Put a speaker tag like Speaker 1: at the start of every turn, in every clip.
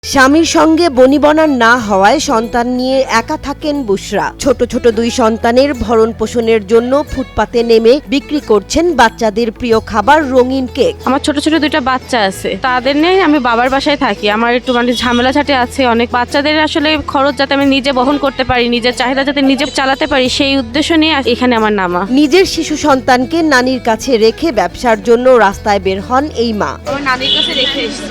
Speaker 1: স্বামীর সঙ্গে বনিবনা না হওয়ায় সন্তান নিয়ে একা থাকেন বুশরা। ছোট ছোট দুই সন্তানের ভরণ পোষণের জন্য ফুটপাতে নেমে বিক্রি করছেন বাচ্চাদের প্রিয় খাবার রঙিন কেক।
Speaker 2: আমার ছোট ছোট দুইটা বাচ্চা আছে, তাদের নিয়ে আমি বাবার বাসায় থাকি। আমার একটু ঝামেলা ঝাঁটে আছে অনেক। বাচ্চাদের আসলে খরচ যাতে আমি নিজে বহন করতে পারি, নিজের চাহিদা যাতে নিজে চালাতে পারি, সেই উদ্দেশ্য নিয়ে এখানে আমার নামা।
Speaker 1: নিজের শিশু সন্তানকে নানির কাছে রেখে ব্যবসার জন্য রাস্তায় বের হন এই মা।
Speaker 2: আমার নানির কাছে রেখে এসেছি।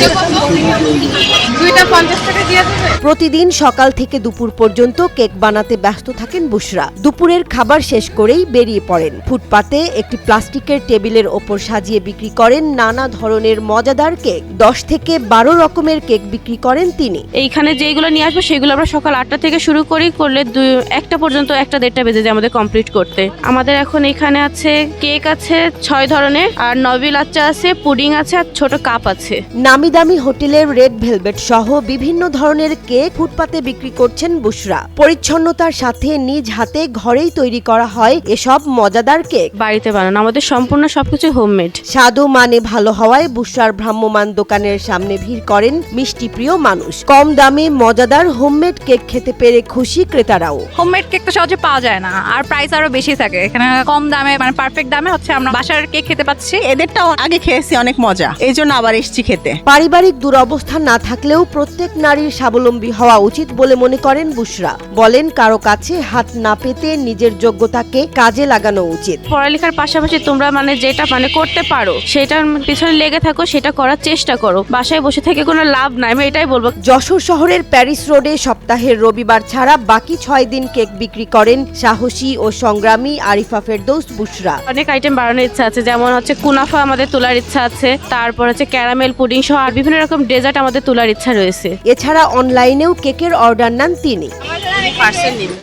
Speaker 1: প্রতিদিন সকাল থেকে দুপুর পর্যন্ত কেক বানাতে ব্যস্ত থাকেন বুশরা। দুপুরের খাবার শেষ করেই বেরিয়ে পড়েন। ফুটপাতে একটি প্লাস্টিকের টেবিলের ওপর সাজিয়ে বিক্রি করেন নানা ধরনের মজাদার কেক। 10 থেকে 12 রকমের কেক বিক্রি করেন তিনি।
Speaker 2: এইখানে যেগুলো নিয়ে আসবো সেগুলো আমরা সকাল 8টা থেকে শুরু করি, করলে 1টা পর্যন্ত 1টা-1.5টা বেজে যায় আমাদের কমপ্লিট করতে। আমাদের এখন এখানে আছে কেক আছে 6 ধরনের, আর নবিল আচ্চা আছে, পুডিং আছে, আর ছোট কাপ আছে।
Speaker 1: নামি দামি হোটেলের রেড ভেলভেট সহ বিভিন্ন ধরনের কেক ফুটপাতে বিক্রি করছেন বুশরা। পরিচ্ছন্নতার সাথে নিজ হাতে ঘরেই তৈরি করা হয় এসব মজাদার কেক।
Speaker 2: বাড়িতে বানানো, আমাদের সম্পূর্ণ সবকিছু হোমমেড।
Speaker 1: স্বাদ ও মানে ভালো হওয়ায় বুশরার ভ্রাম্যমাণ দোকানের সামনে ভিড় করেন মিষ্টি প্রিয় মানুষ। কম দামে মজাদার হোমমেড কেক খেতে পেরে খুশি ক্রেতারাও।
Speaker 3: হোমমেড কেক তো সহজে পাওয়া যায় না, আর প্রাইস আরো বেশি থাকে। এখানে কম দামে পারফেক্ট দামে আমরা বাসার কেক খেতে পাচ্ছি।
Speaker 4: এদেরটাও আগে খেয়েছি, অনেক মজা, এই জন্য আবার এসেছি খেতে।
Speaker 1: পারিবারিক দুরবস্থা না থাকলেও প্রত্যেক নারীর স্বাবলম্বী হওয়া উচিত বলে মনে করেন বুশরা। বলেন কারো কাছে হাত না পেতে নিজের যোগ্যতাকে কাজে লাগানো উচিত।
Speaker 2: পড়ালেখার পাশাপাশি তোমরা যেটা করতে পারো সেটার পিছনে লেগে থাকো, সেটা করার চেষ্টা করো। বাসায় বসে থেকে কোনো লাভ নাই, আমি এটাই বলবো।
Speaker 1: যশোর শহরের প্যারিস রোডে সপ্তাহের রবিবার ছাড়া বাকি 6 দিন কেক বিক্রি করেন সাহসী ও সংগ্রামী আরিফা ফেরদৌস বুশরা।
Speaker 2: অনেক আইটেম বাড়ানোর ইচ্ছা আছে, যেমন কুনাফা আমাদের তোলার ইচ্ছা আছে, তারপর ক্যারামেল পুডিং সহ আর বিভিন্ন রকম ডেজার্ট আমাদের তোলার ইচ্ছা রয়েছে।
Speaker 1: এছাড়া অনলাইনেও কেকের অর্ডার নেন তিনি।